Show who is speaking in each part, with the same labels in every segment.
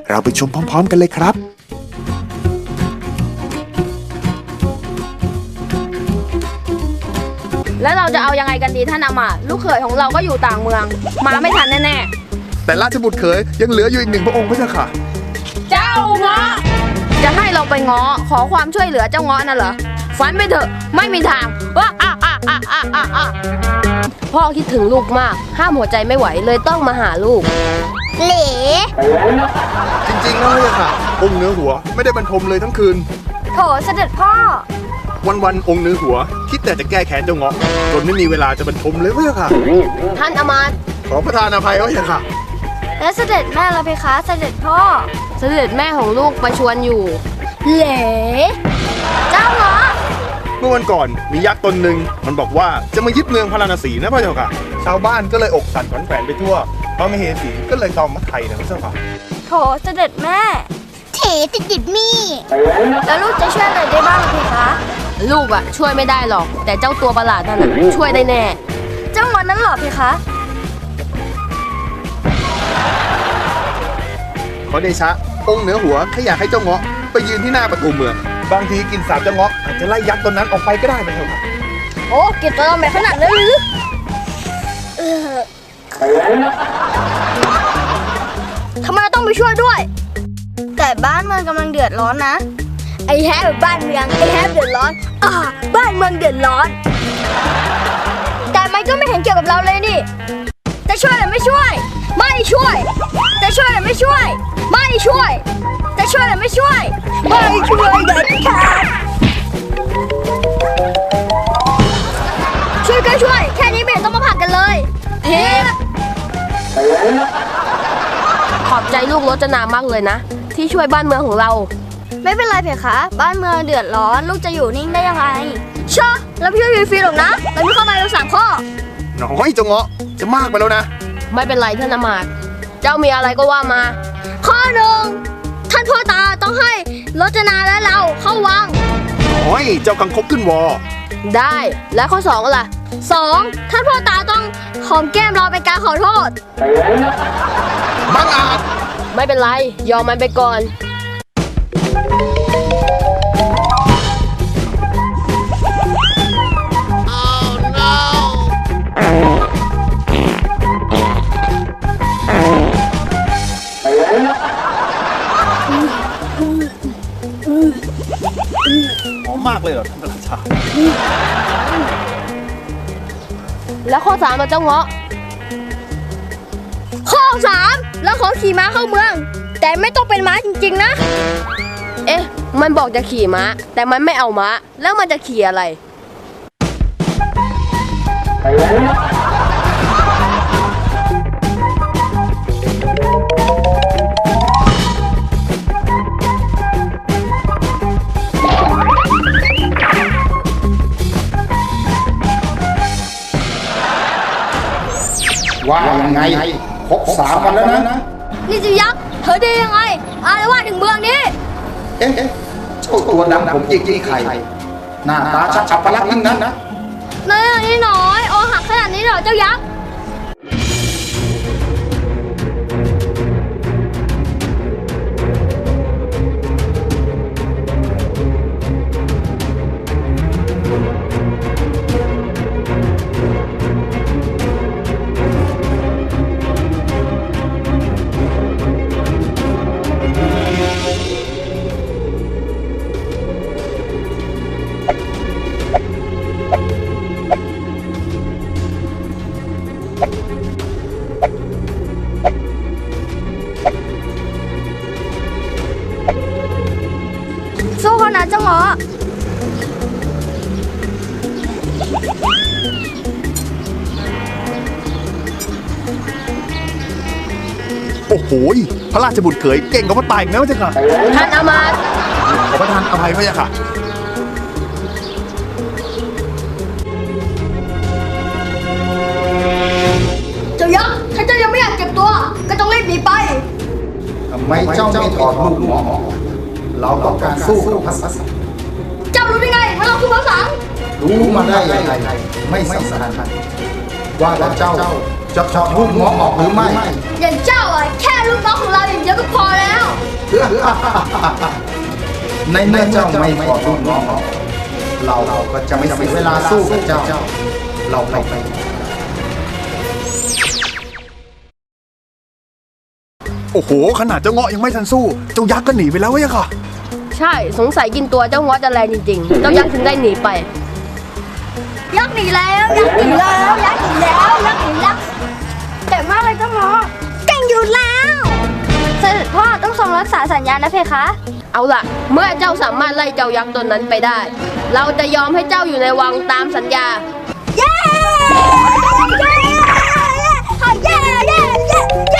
Speaker 1: เราไปชมพร้อมๆกันเลยครับ
Speaker 2: แล้วเราจะเอายังไงกันดีท่านอามาตย์ลูกเขยของเราก็อยู่ต่างเมืองมาไม่ทันแน่
Speaker 3: แต่ราชบุตรเขยยังเหลืออยู่อีก1 พระองค์พระเจ้าค่ะ
Speaker 2: ๆเจ้าเงาะจะให้เราไปง้อขอความช่วยเหลือเจ้าเงาะนั่นเหรอฝันไปเถอะไม่มีทางว้าพ่อคิดถึงลูกมากห้ามหัวใจไม่ไหวเลยต้องมาหาลูก
Speaker 4: เหล่
Speaker 3: จริงๆนะพระเจ้าค่ะองค์เหนือหัวไม่ได้บรรทมเลยทั้งคืน
Speaker 4: โถเสด็จพ่อ
Speaker 3: วันองค์เหนือหัวคิดแต่จะแก้แค้นเจ้าเงาะจนไม่มีเวลาจะบรรทมเลยพระเจ้าค่ะ
Speaker 2: ท่านอามาตย์
Speaker 3: ขอประทานอภัยพระเจ้าค่ะ
Speaker 4: และเสด็จแม่ล่ะเพคะเสด็จพ่อ
Speaker 2: เสด็จแม่ของลูกไปชวนอยู่
Speaker 4: เหล่เจ้าเหรอ
Speaker 3: เมื่อวันก่อนมียักษ์ตนหนึ่งมันบอกว่าจะมายึดเมืองพาราณสีนะพระเจ้าค่ะชาวบ้านก็เลยอกสั่นขวัญแขวนไปทั่วพระมเหสีก็เลยตอมมาไทยนะพระเจ้าค่ะ
Speaker 4: โถเสด็จแม่เถติดมี่แล้วลูกจะช่วยอะไรได้บ้างเพคะ
Speaker 2: ลูกอะช่วยไม่ได้หรอกแต่เจ้าตัวประหลาดนั่นช่วยได้แน่
Speaker 4: เจ้าเงาะนั้นหรอเพคะ
Speaker 3: ขอเดชะองค์เหนือหัวถ้าอยากให้เจ้าเงาะไปยืนที่หน้าประตูเมืองบางทีกินสาบเจ้าเงาะอาจจะไล่ยักษ์ตนนั้นออกไปก็ได้พระเจ้าค่ะ
Speaker 4: โอ้กินตัวเราไม่ขนาดนั้นหรือทำไมเราต้องไปช่วยด้วยแต่บ้านเมืองกำลังเดือดร้อนนะไอ้แฮปบ้านเมืองไอ้แฮปเดือดร้อนบ้านเมืองเดือดร้อนแต่มันก็ไม่เห็นเกี่ยวกับเราเลยนี่จะช่วยหรือไม่ช่วยไม่ช่วยจะช่วยหรือไม่ช่วยไม่ช่วยจะช่วยหรือไม่ช่วยไม่ช่วยเด็ดขาดช่วยก็ช่วยแค่นี้ไม่เห็นต้องมาผลักกันเลยเฮ้
Speaker 2: ขอบใจลูกรจนามากเลยนะที่ช่วยบ้านเมืองของเรา
Speaker 4: ไม่เป็นไรเพคะบ้านเมืองเดือดร้อนลูกจะอยู่นิ่งได้ยังไงเชื่อแล้วพี่ฟรีหรอกนะเราไม่เข้ามาเรา3 ข้อ
Speaker 3: น้อยเจ้าเงาะจะมากไปแล้วนะ
Speaker 2: ไม่เป็นไรท่านอามาตย์เจ้ามีอะไรก็ว่ามา
Speaker 4: ข้อ1ท่านพ่อตาต้องให้รจนาและเราเข้าวัง
Speaker 3: โอ้ยเจ้ากังคบขึ้นวอ
Speaker 2: ได้และข้อ2ล่ะ
Speaker 4: 2ท่านพ่อตาต้องหอมแก้มเราเป็นการขอโทษ
Speaker 3: บังอาจ
Speaker 2: ไม่เป็นไรยอมมันไปก่อน
Speaker 3: หอมมากเลยเหรอท่านราชา
Speaker 2: แล้วข้อ3มาเจ้าเงาะ
Speaker 4: ข้อ3แล้วขอขี่ม้าเข้าเมืองแต่ไม่ต้องเป็นม้าจริงๆนะ
Speaker 2: เอ๊ะมันบอกจะขี่ม้าแต่มันไม่เอาม้าแล้วมันจะขี่อะไร
Speaker 5: ว่ายังไงครบ3 วันแล้วนะ
Speaker 4: นี่จะยักษ์เธอได้ยังไงอะไรว่าถึงเมืองนี้
Speaker 5: เอ๊ะเจ้าตัวดำผมจิกที่ไข่หน้าตาชักอัปลักษณ์ยิ่งนั้นนะ
Speaker 4: นี่น้อยโอหักขนาดนี้เหรอเจ้ายักษ์สู้เขานะเจ้าเงาะ
Speaker 3: โอ้โหพระราชบุตรเขยเก่งกว่าพ่อตายอีกนะพระเจ้าค่ะ
Speaker 2: ท่านอามาตย์
Speaker 3: ขอประทานอภัยพระเจ้าค่ะ
Speaker 4: เจ้ายักษ์ถ้าเจ้ายังไม่อยากเก็บตัวก็ต้องรีบหนีไป
Speaker 5: ทำไมเจ้าไม่ถอดลูกหมอเราต้องการสู้กับพระสัส
Speaker 4: เจ้ารู้ได้ไงว่าเราคือพระสัง
Speaker 5: รู้มาได้ยังไงไม่สำคัญว่าแล้วเจ้าจะถอดลูกหมอออกหรือไม่
Speaker 4: อย่างเจ้าแค่ลูกน้องของเราอย่างเดียวก็พอแล้ว
Speaker 5: ในเมื่อเจ้าไม่ขอลูกน้องเราก็จะไม่เสียเวลาสู้กับเจ้า เราไป
Speaker 3: โอ้โหขนาดเจ้าเงาะยังไม่ทันสู้เจ้ายักษ์ก็หนีไปแล้วเว้ยค่ะ
Speaker 2: ใช่สงสัยกินตัวเจ้าเงาะจะแรงจริงๆ เจ้ายักษ์ถึงได้หนีไป
Speaker 4: ยักษ์หนีแล้วยักษ์หนีแล้วยักษ์หนีแล้วยักษ์หนีแล้วเก่งมากเลยเจ้าหมอเก่งอยู่แล้วเสด็จพ่อต้องทรงรักษาสัญญานะเพคะ
Speaker 2: เอาล่ะ เมื่อเจ้าสามารถไล่เจ้ายักษ์ตนนั้นไปได้ เราจะยอมให้เจ้าอยู่ในวังตามสัญญา
Speaker 4: เย้เย้เย้เย้เย้เย้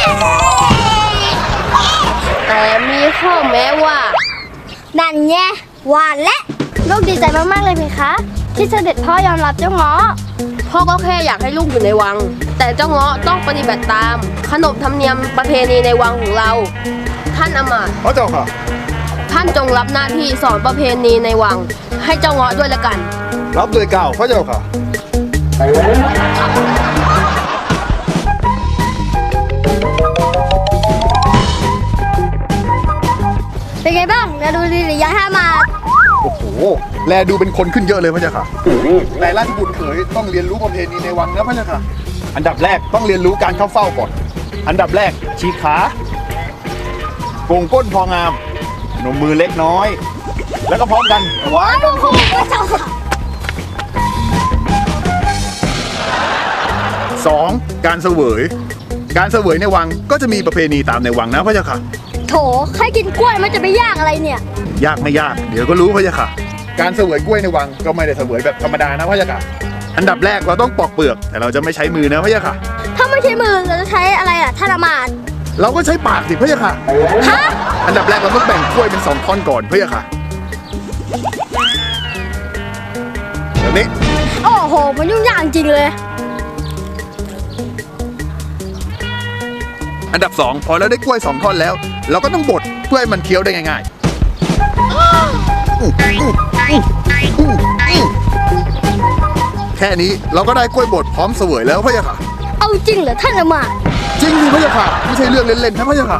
Speaker 2: แต่มีข้อแม้ว่า
Speaker 4: นั่นไงหวานและลูกดีใจมากๆเลยเพคะ ที่เสด็จพ่อยอมรับเจ้าหมอ
Speaker 2: พ่อก็แค่อยากให้ลูกอยู่ในวัง แต่เจ้าเงาะต้องปฏิบัติตาม ขนบธรรมเนียมประเพณีในวังของเรา ท่านอำมาตย์
Speaker 3: พระเจ้าค่ะ
Speaker 2: ท่านจงรับหน้าที่สอนประเพณีในวัง ให้เจ้าเงาะด้วยละกัน
Speaker 3: รับเลยเก่าพระเจ้าค่ะ
Speaker 4: เป็นไงบ้างนะดูดีหรือยังห้ามา
Speaker 3: โอ้โหแลดูเป็นคนขึ้นเยอะเลยพระเจ้าค่ะแต่ราชบุตรเขยต้องเรียนรู้ประเพณีในวังนะพระเจ้าค่ะ อันดับแรกต้องเรียนรู้การเข้าเฝ้าก่อน อันดับแรกชี้ขาโกงก้นพองามนมมือเล็กน้อย แล้วก็พร้อมกันว้าย
Speaker 4: โอ้โหเจ้าค่ะ
Speaker 3: 2. การเสวย การเสวยในวังก็จะมีประเพณีตามในวังนะพระเจ้าค่ะ
Speaker 4: โถใครกินกล้วยมันจะไปยากอะไรเนี่ย
Speaker 3: ยากไม่ยาก เดี๋ยวก็รู้พระเจ้าค่ะ การเสวยกล้วยในวังก็ไม่ได้เสวยแบบธรรมดานะพระเจ้าค่ะ อันดับแรกเราต้องปอกเปลือก แต่เราจะไม่ใช้มือนะพระเจ้าค่ะ
Speaker 4: ถ้าไม่ใช้มือเราจะใช้อะไรล่ะท่านอำมาตย์
Speaker 3: เราก็ใช้ปากสิพระเจ้าค่ะ
Speaker 4: ฮะ
Speaker 3: อันดับแรกเราต้องแบ่งกล้วยเป็น2ท่อนก่อนพระเจ้าค่ะแบบนี้
Speaker 4: โอ้โหมันยุ่งยากจริงเลย
Speaker 3: อันดับ 2 พอเราได้กล้วย2ท่อนแล้ว เราก็ต้องบดเพื่อให้มันเคี้ยวได้ง่ายๆแค่นี้เราก็ได้กล้วยบดพร้อมเสวยแล้วพระเจ้าค่ะ
Speaker 4: เอาจริงเหรอท่านอำมาตย์
Speaker 3: จริงดิพระเจ้าค่ะไม่ใช่เรื่องเล่นๆนะพระเจ้าค่ะ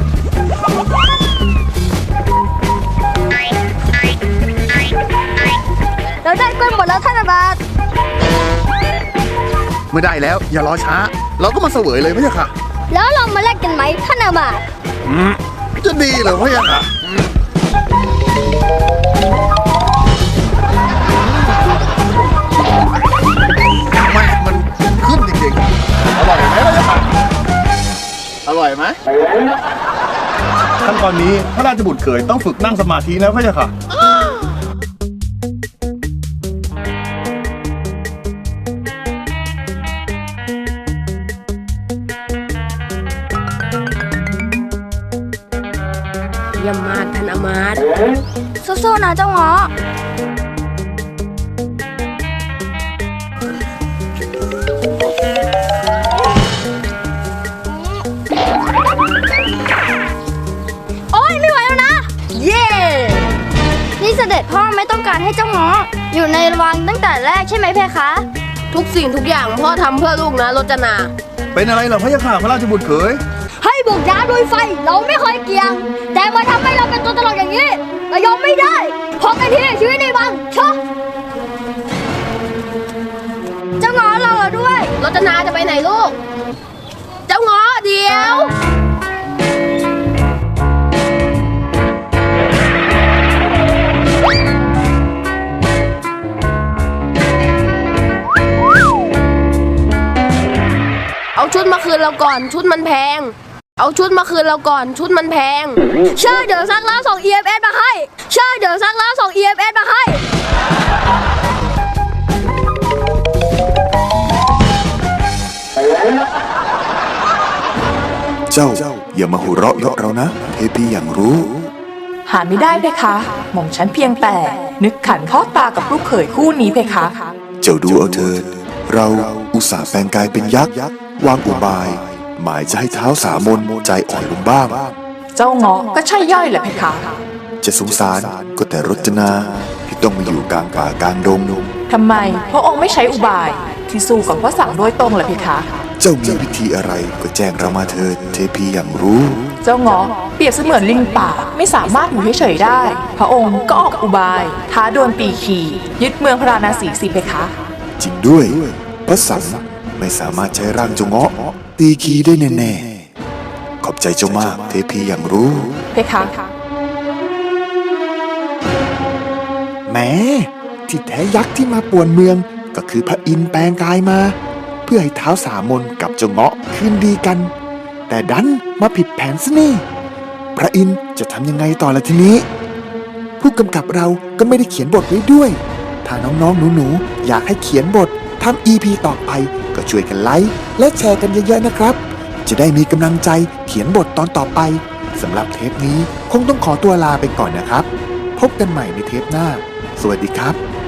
Speaker 4: เราได้กล้วยหมดแล้วท่านอำมาตย์
Speaker 3: เมื่อได้แล้วอย่ารอช้า เราก็มาเสวยเลยพระเจ้าค่ะ
Speaker 4: แล้วเรามาแลกกันไหมท่านอำมาตย์
Speaker 3: จะดีเหรอพระเจ้าค่ะแม่มันขึ้นจริงๆอร่อยไหมพระเจ้าค่ะอร่อยไหมขั้นตอนนี้พระราชบุตรเขยต้องฝึกนั่งสมาธินะพระเจ้าค่ะ
Speaker 2: เยี่ยมมากท่านอำมาตย์
Speaker 4: สู้ๆนะเจ้าหมอโอ๊ยไม่ไหวแล้วนะ
Speaker 2: เย้
Speaker 4: นี่เสด็จพ่อไม่ต้องการให้เจ้าหมออยู่ในวังตั้งแต่แรกใช่ไหมเพคะ
Speaker 2: ทุกสิ่งทุกอย่างพ่อทำเพื่อลูกนะรจนา
Speaker 3: เป็นอะไรเหรอพระเจ้าค่ะพระราชบุตรเขย
Speaker 4: ให้บุกน้ำด้วยไฟเราไม่เคยเกี่ยง แต่มาทำให้เราเป็นตัวตลกอย่างนี้เรายอมไม่ได้พอกันทีชีวิตในวังชะเจ้าหมอเราด้วย
Speaker 2: รจนาจะไปไหนลูก เจ้าเงาะเดี๋ยว เอาชุดมาคืนเราก่อนชุดมันแพง เอาชุดมาคืนเราก่อนชุดมันแพง
Speaker 4: เชื่อเดี๋ยวซักแล้วส่ง EMS มาให้เชื่อเดี๋ยวซักแล้วส่ง EMS มาให้
Speaker 1: เจ้าอย่ามาหัวเราะเยาะเรานะเทพีอย่างรู้
Speaker 6: หาไม่ได้เพคะ หม่อมฉันเพียงแต่ นึกขันพ่อตากับลูกเขยคู่นี้เพคะ
Speaker 1: เจ้าดูเอาเถิดเราอุตส่าห์แปลงกายเป็นยักษ์วางอุบาย หมายจะให้เท้าสามนใจอ่อนลงบ้าง
Speaker 6: เจ้าเงาะก็ใช่ย่อยแหละเพคะ
Speaker 1: จะสงสารก็แต่รจนาที่ต้องมาอยู่กลางป่ากลางดง
Speaker 6: ทำไมพระองค์ไม่ใช้อุบาย ที่สู้กับพระสั่งโดยตรงล่ะเพคะ
Speaker 1: เจ้ามีวิธีอะไรก็แจ้งเรามาเถิดเทพีอย่างรู้
Speaker 6: เจ้าเงาะเปรียบเสมือนลิงป่าไม่สามารถอยู่เฉยๆได้ พระองค์ก็ออกอุบาย ท้าดวลปีขียึดเมืองพราณสีสิเพคะ
Speaker 1: จริงด้วยพระสังไม่สามารถใช้ร่างเจ้าเงาะตีคีได้แน่ๆขอบใจเจ้ามากเทพีอย่างรู้
Speaker 6: เพคะ
Speaker 1: แหมที่แท้ยักษ์ที่มาป่วนเมืองก็คือพระอินทร์แปลงกายมา เพื่อให้ท้าวสามนกับเจ้าเงาะคืนดีกัน แต่ดันมาผิดแผนซะนี่พระอินทร์จะทำยังไงต่อละทีนี้ ผู้กำกับเราก็ไม่ได้เขียนบทไว้ด้วย ถ้าน้องๆหนูๆอยากให้เขียนบททำ EP ต่อไปก็ช่วยกันไลค์และแชร์กันเยอะๆนะครับ จะได้มีกำลังใจเขียนบทตอนต่อไปสำหรับเทปนี้คงต้องขอตัวลาไปก่อนนะครับ พบกันใหม่ในเทปหน้า สวัสดีครับ